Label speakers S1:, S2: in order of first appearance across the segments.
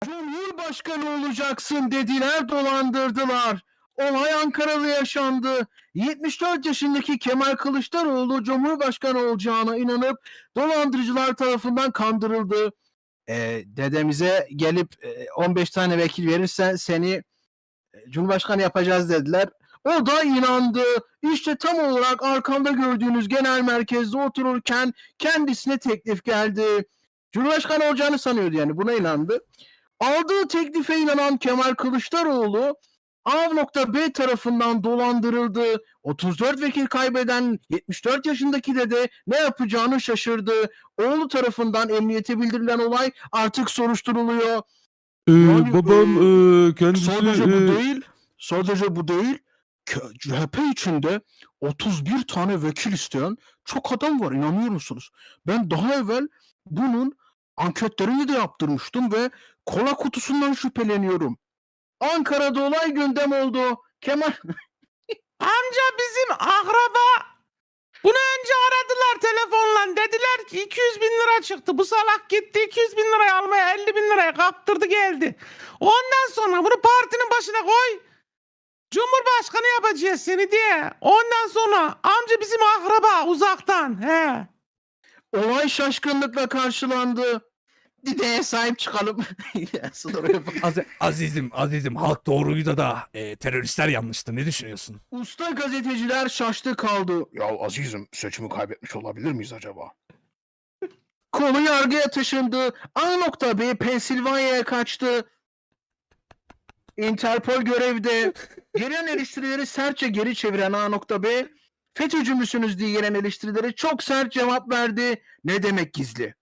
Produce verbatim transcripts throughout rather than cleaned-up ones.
S1: Cumhurbaşkanı olacaksın dediler, dolandırdılar. Olay Ankara'da yaşandı. yetmiş dört yaşındaki Kemal Kılıçdaroğlu Cumhurbaşkanı olacağına inanıp dolandırıcılar tarafından kandırıldı. Ee, dedemize gelip e, on beş tane vekil verirsen seni e, Cumhurbaşkanı yapacağız dediler. O da inandı. İşte tam olarak arkamda gördüğünüz genel merkezde otururken kendisine teklif geldi. Cumhurbaşkanı olacağını sanıyordu, yani buna inandı. Aldığı teklife inanan Kemal Kılıçdaroğlu A.B tarafından dolandırıldı. otuz dört vekil kaybeden yetmiş dört yaşındaki dede ne yapacağını şaşırdı. Oğlu tarafından emniyete bildirilen olay artık soruşturuluyor.
S2: Ee,
S1: Yani,
S2: babam
S1: e,
S2: e, kendisi...
S1: Sadece bu
S2: e,
S1: değil, sadece bu değil. C H P içinde otuz bir tane vekil isteyen çok adam var, inanıyor musunuz? Ben daha evvel bunun anketlerini de yaptırmıştım ve kola kutusundan şüpheleniyorum. Ankara'da olay gündem oldu. Kemal
S3: Amca bizim akraba. Bunu önce aradılar telefonla. Dediler ki iki yüz bin lira çıktı. Bu salak gitti iki yüz bin lirayı almaya elli bin liraya kaptırdı geldi. Ondan sonra bunu partinin başına koy. Cumhurbaşkanı yapacağız seni diye. Ondan sonra amca bizim akraba uzaktan. He.
S1: olay şaşkınlıkla karşılandı. Dedeye sahip çıkalım. Asıl oraya bak.
S4: Az- azizim, azizim halk doğruyu da da e, teröristler yanlıştı. Ne düşünüyorsun?
S1: Usta gazeteciler şaştı kaldı. Ya azizim, seçimi kaybetmiş olabilir miyiz acaba? Konu yargıya taşındı. A.B Pensilvanya'ya kaçtı. Interpol görevde. Gelen eleştirileri sertçe geri çeviren A.B FETÖ'cü müsünüz diye gelen eleştirilere çok sert cevap verdi. Ne demek gizli?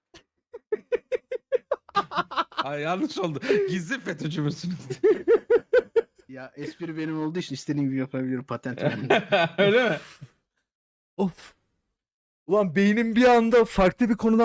S3: Ay yanlış oldu. Gizli FETÖ'cü müsünüz?
S1: Ya espri benim olduğu için istediğim gibi yapabilirim, patent.
S3: Öyle mi?
S4: Of. Ulan beynim bir anda farklı bir konudan